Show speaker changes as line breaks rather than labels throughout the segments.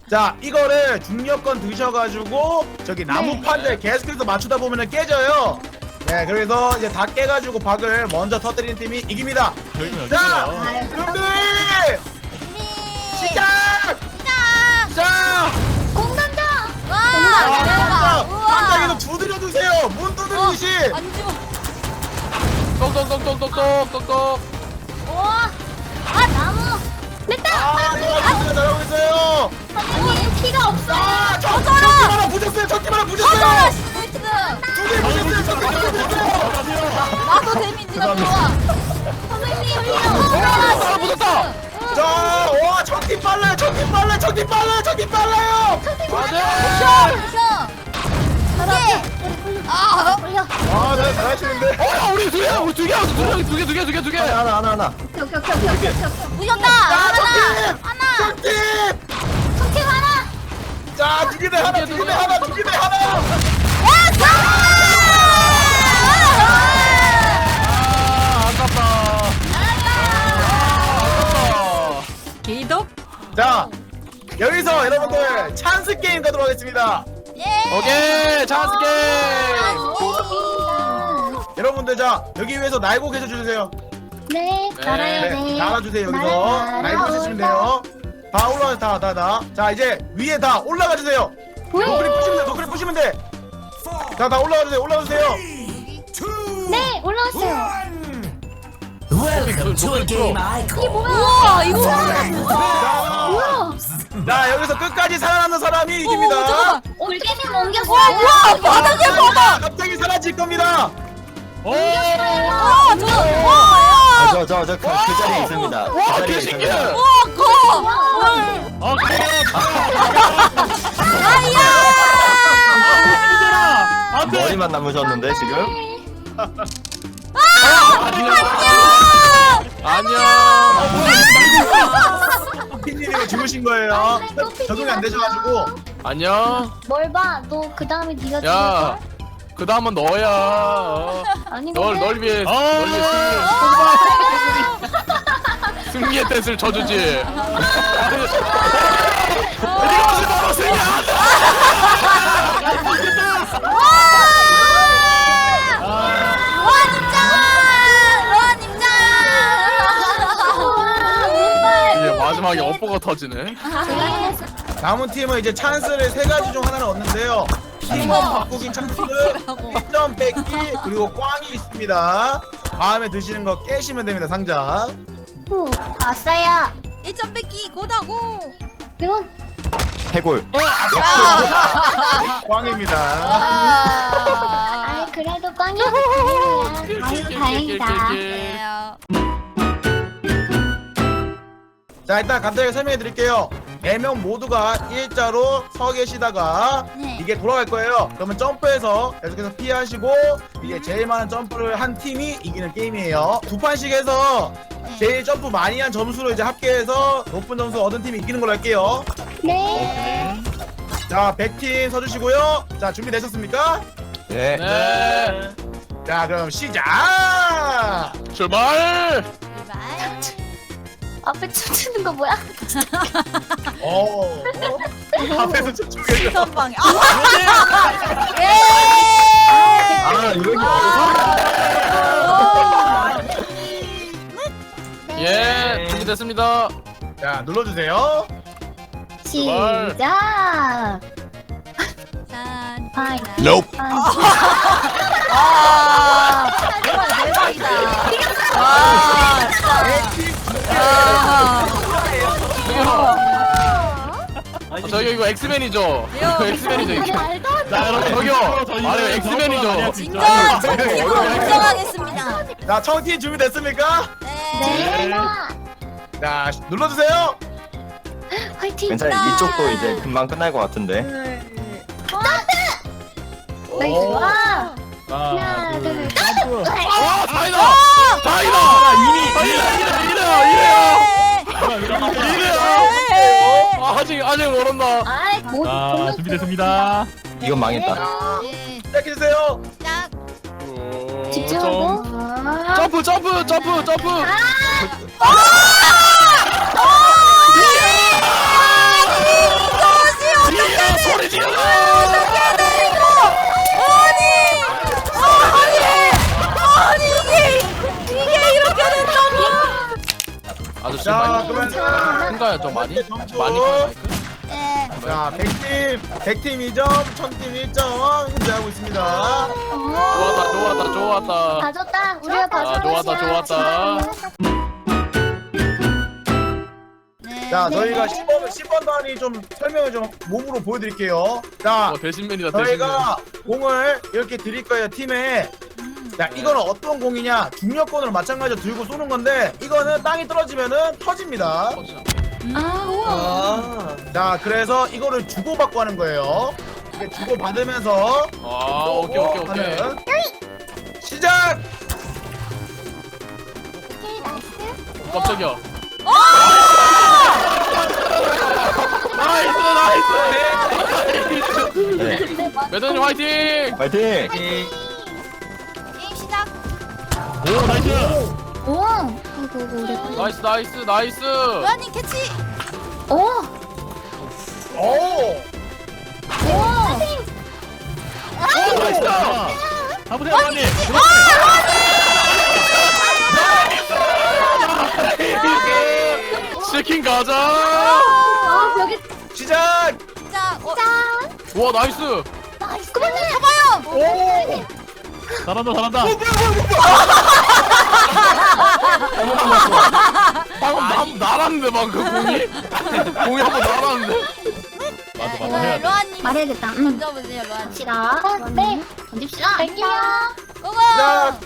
자, 이거를 중력권 드셔가지고 저기 나무판들 계속해서 맞추다 보면은 깨져요. 네, 그래서 이제 다 깨가지고 박을 먼저 터뜨리는 팀이 이깁니다. 자, 준비! 시작! 자!
공 던져.
깜짝이도 두드려주세요. 문 두드리듯이.
안 줘.
똑똑똑똑똑똑똑똑.
우와. 아 나무. 됐다.
잘하고 있어요.
선생님 피가 없어.
적팀 하나 부셨어요. 적팀 하나 부셨어요. 두개 부셨어요. 적팀 하나 부셨어요.
나도 데미지가 좋아.
선생님 피가
아, 붙었다.
자, 와, 적팀 빨라요. 적팀 빨라요. 적팀 빨라요. 적팀 빨라요.
맞아.
올려.
아, 네, 잘하시는데.
우리 두 개.
하나.
부셨다.
적팀! 적팀!
성팀 하나.
자, 두 개 대 하나. 두 개 대 하나.
아깝다.
기독.
자, 여기서 여러분들 찬스 게임 가도록 하겠습니다.
예.
오케이, 찬스 게임.
여러분들, 자, 여기 위에서 날고 계셔 주세요.
네. 날아야
네,
돼.
날아주세요. 여기서 날고 계시면 돼요. 다 올라가요. 다. 자, 이제 위에 다 올라가 주세요. 너클이 부시면 돼. 다 올라가 주세요.
네 올라왔어요.
Welcome to a game icon.
우와 이거.
우와.
자, 여기서 끝까지 살아남는 사람이 이깁니다.
올게님 옮겼어.
우와 바닥에 바닥.
갑자기 사라질 겁니다.
와 저.
그 자리에 있습니다. 그
와,
자리에
개신기해.
있습니다.
와 커.
머리만 남으셨는데 지금?
안녕.
피디님이 죽으신 거예요. 적응이 안 되셔가지고.
안녕.
뭘 봐? 너 그 다음에 네가 죽을
야,
거야?
그 다음은 너야.
아니
널 위해 승리의 댄스를 쳐주지. 네가 무슨 바로 승리야? 이제 마지막에 업보가 터지네.
남은 팀은 이제 찬스를 세 가지 중 하나를 얻는데요. 팀원 바꾸기 찬스, 1점 뺏기, 그리고 꽝이 있습니다. 다음에 드시는 거 깨시면 됩니다. 상자.
아싸야.
1점 뺏기 고다고.
이거
해골.
꽝입니다.
아 그래도 꽝이야. 아유 다행이다.
자, 일단 간단하게 설명해 드릴게요. 4명 모두가 일자로 서 계시다가
네.
이게 돌아갈 거예요. 그러면 점프해서 계속해서 피하시고 이게 제일 많은 점프를 한 팀이 이기는 게임이에요. 두 판씩 해서 제일 점프 많이 한 점수로 이제 합계해서 높은 점수 얻은 팀이 이기는 걸로 할게요.
네.
자, 100팀 서주시고요. 자, 준비되셨습니까?
네.
네.
자, 그럼 시작!
출발.
앞에 춤추는 거 뭐야?
앞에서 춤추겠죠.
선방에.
이거
예, 준비됐습니다.
자, 눌러주세요.
시작. 파이.
Nope.
와 정말 대박이다. 와 진짜.
저기 이거 엑스맨이죠? 이거 엑스맨이죠 이거.
말도 안 돼.
자 여러분 저기요. 아니 엑스맨이죠?
인정. 인정하겠습니다.
자, 청팀 준비됐습니까?
네.
네.
자, 눌러주세요.
화이팅.
괜찮아요. 이쪽도 이제 금방 끝날 것 같은데.
나이스. 와. 하나, 둘, 셋.
아 다이다. 다이다. 이래요. 아 아직 멀었나?
아이, 뭐.
자, 준비됐습니다.
이건 망했다.
네.
시작해주세요.
짝.
집중하고.
점프. 아저씨
자
많이
그러면
큰가요? 좀 많이?
점수.
많이 커요 마이크?
네.
자 100팀 2점 1000팀 1점 현재하고 있습니다.
좋았다 좋았다.
봐줬다. 우리가 봐줬다.
좋았다.
네.
자 저희가 10번 단위 좀 설명을 좀 몸으로 보여드릴게요. 자
대신맨이다 대신맨.
저희가 공을 이렇게 드릴 거예요 팀에. 자 이거는 어떤 공이냐 중력권으로 마찬가지로 들고 쏘는 건데 이거는 땅이 떨어지면은 터집니다.
아, 우와.
자 그래서 이거를 주고받고 하는 거예요. 이게 주고받으면서
아 오케이.
하는 시작!
깜짝이야. 나이스.
네.
매드님 화이팅.
파이팅!
게임 시작.
오 나이스.
오. 우리.
나이스.
로아님 캐치.
오.
오!
나이스.
가보세요, 언니.
치킨 가자.
아, 여기.
시작!
자,
짠.
와 나이스.
나이스. 그만해.
잡아요.
오!
잘한다.
방금 날았는데 방금 공이 한번 날았는데.
맞아, 해야 돼.
로아님
말해야겠다.
던져보세요, 로아님.
봅시다. 네. 던집시다. 갈게요.
고고.
시작!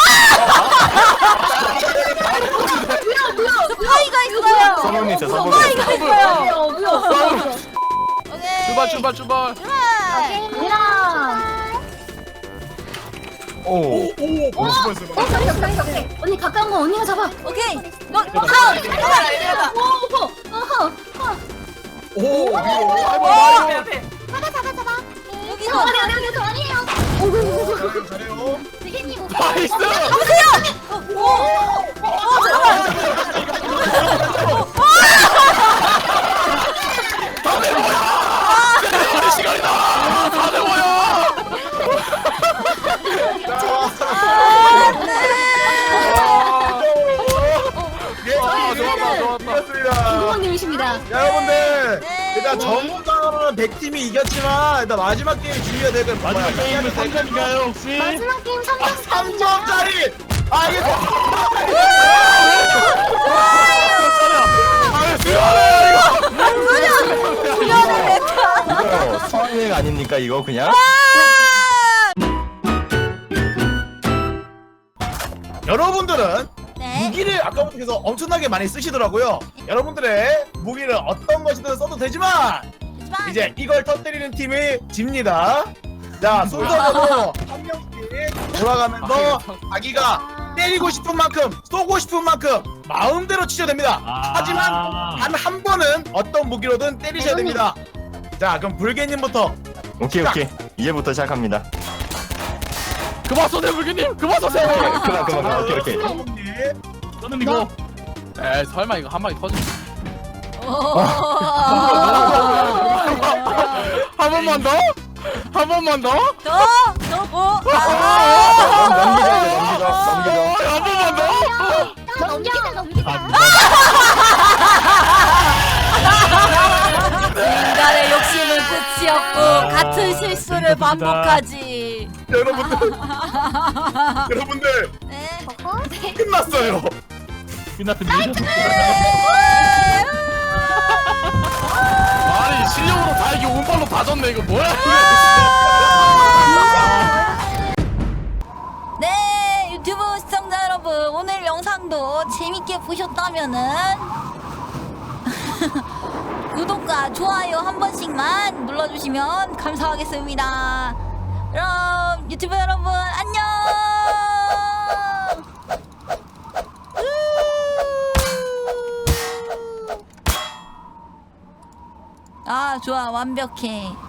스파이가 있어요.
서버님 있어 서버님.
스파이가 있어요. 오케이.
출발.
갑니다.
오.
언니 가까운 거 언니가 잡아.
오케이. 너 다운. 잠깐만.
오!
여기서.
아니에요.
잘해요.
나이스. 시간이다. 다 되고요. 좋았다.
이겼습니다.
부모님이십니다.
여러분들
네.
일단 정상으로는 100팀이 이겼지만 일단 마지막 게임 중요해야 될 건
마지막 게임은 3점인가요, 혹시?
마지막 게임 3점
3점짜리! 아 이게
수학여행 아닙니까 이거 그냥?
여러분들은
네.
무기를 아까부터 계속 엄청나게 많이 쓰시더라고요. 여러분들의 무기를 어떤 것이든 써도 되지만
하지만
이제 이걸 터뜨리는 팀이 집니다. 자 순서대로 한 명씩 돌아가면서 자기가 때리고 싶은 만큼 쏘고 싶은 만큼 마음대로 치셔야 됩니다. 하지만 단 한 번은 어떤 무기로든 때리셔야 됩니다. 자 그럼 불개님부터.
오케이. 이제부터 시작합니다.
그만 쏘세요 불기님. 그만 쏘세요.
그만. 오케이.
여러분님.
저는 이거
에이 설마 이거 한 방에 터지? 한 번만 더? 한 번만 더?
더 뭐?
넘기죠.
한 번만 더?
넘기자.
인간의 욕심은 끝이 없고 같은 실수를 반복하지.
여러분들
네.
끝났어요.
끝났습니다.
아니 실력으로 다 이게 운빨로 다 졌네 이거 뭐야?
네, 유튜브 시청자 여러분, 오늘 영상도 재밌게 보셨다면은 구독과 좋아요 한 번씩만 눌러주시면 감사하겠습니다. 그럼 유튜브 여러분 안녕. 아, 좋아, 완벽해.